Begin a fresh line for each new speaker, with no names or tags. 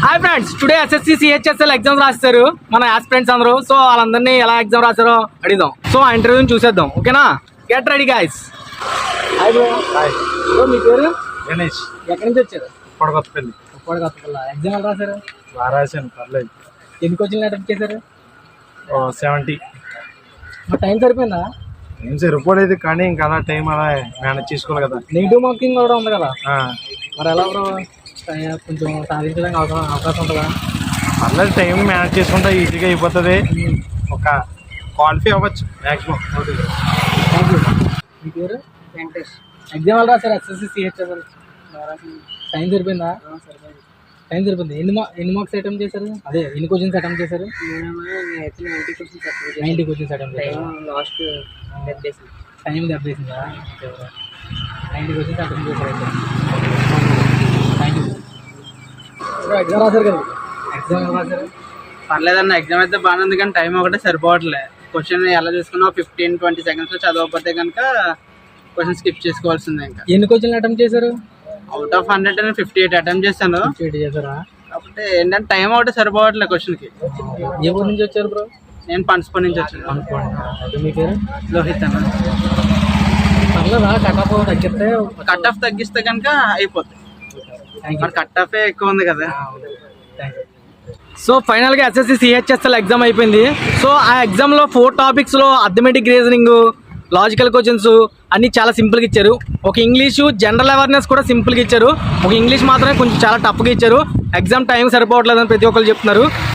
Hi friends, today SSC CHSL exams రాస్తారు మన aspirants అందరూ. సో వాళ్ళందరినీ ఎలా ఎగ్జామ్ రాస్తారో అడిగిదాం. సో ఆ ఇంటర్వ్యూని చూసేద్దాం. ఓకేనా? Get ready guys. Hi bro.
Hi
bro, మీ పేరు?
గణేష్.
ఎక్కడి నుంచి వచ్చారు?
కొడగొత్తపల్లి.
కొత్తపల్లి. ఎగ్జామ్ ఎలా రాశారు?
బాగా రాశాను, పర్లేదు.
ఎన్ని కోచింగ్లు అటెంప్ట్ చేశారు?
70.
మా టైం సరిపోయిందా?
ఏం సరిపోలేదు, కానీ ఇంకా అలా టైం అలా మేనేజ్ చేసుకోవాలి కదా.
నెగిటివ్ మార్కింగ్ కూడా ఉంది కదా,
ఆ,
మరి ఎలా బ్రో? కొంచెం సాధించడానికి అవకాశం ఉంటుందా?
పర్లేదు, టైం మేనేజ్ చేసుకుంటే ఈజీగా అయిపోతుంది. ఒక క్వాలిఫై అవ్వచ్చు మ్యాక్సిమం.
Thank you. మీ పేరు? వెంకటేష్. ఎగ్జామ్ ఎలా రాశారు? ఎస్ఎస్సి సిహెచ్ఎస్ఎల్ టైం సరిపోయిందా? టైం సరిపోయింది. ఎన్ని మార్క్స్ అటెంప్ట్ చేశారు? అదే ఎన్ని క్వశ్చన్స్ అటెంప్ట్ చేశారు? 90 క్వశ్చన్స్ అటెంప్ట్ చేశారు.
లాస్ట్
టైం దెబ్బేసిందా? 90 క్వశ్చన్స్ అటెంప్ట్ చేశారు అయితే. Thank you. ఎగ్జామ్ రాశారు కదా, ఎగ్జామ్ ఎలా రాశారు?
పర్లేదన్న, ఎగ్జామ్ అయితే బాగానే ఉంది, కానీ టైం ఒకటే సరిపోవట్లే. క్వశ్చన్ ఎలా చూసుకున్నా 15-20 సెకండ్స్లో చదవకపోతే కనుక క్వశ్చన్ స్కిప్ చేసుకోవాల్సిందే. ఇంకా
ఎన్ని క్వశ్చన్లు అటెంప్ట్ చేశారు?
అవుట్ ఆఫ్ 100 నేను 58 అటెంప్ట్ చేశాను.
చేశారా?
కాకపోతే ఏంటంటే టైం ఒకటే సరిపోవట్లే క్వశ్చన్కి.
ఏ ఊరు నుంచి వచ్చారు బ్రో?
నేను పనసపల్లి నుంచి వచ్చాను.
అనుకోండి. మీ పేరు?
లోహిత్ అన్న.
పర్లేదా? కట్ ఆఫ్ తగ్గిస్తే
కట్ ఆఫ్ తగ్గిస్తే కనుక అయిపోతుంది. మరి కట్ ఆఫే ఎక్కువ ఉంది కదా.
సో ఫైనల్గా ఎస్ఎస్సి సిహెచ్ఎస్ఎల్ ఎగ్జామ్ అయిపోయింది. సో ఆ ఎగ్జామ్లో 4 టాపిక్స్లో అథమెటిక్ రీజనింగ్, లాజికల్ క్వశ్చన్స్ అన్నీ చాలా సింపుల్గా ఇచ్చారు. ఒక ఇంగ్లీషు జనరల్ అవేర్నెస్ కూడా సింపుల్గా ఇచ్చారు. ఒక ఇంగ్లీష్ మాత్రమే కొంచెం చాలా టఫ్గా ఇచ్చారు. ఎగ్జామ్ టైం సరిపోవట్లేదని ప్రతి ఒక్కరు చెప్తున్నారు.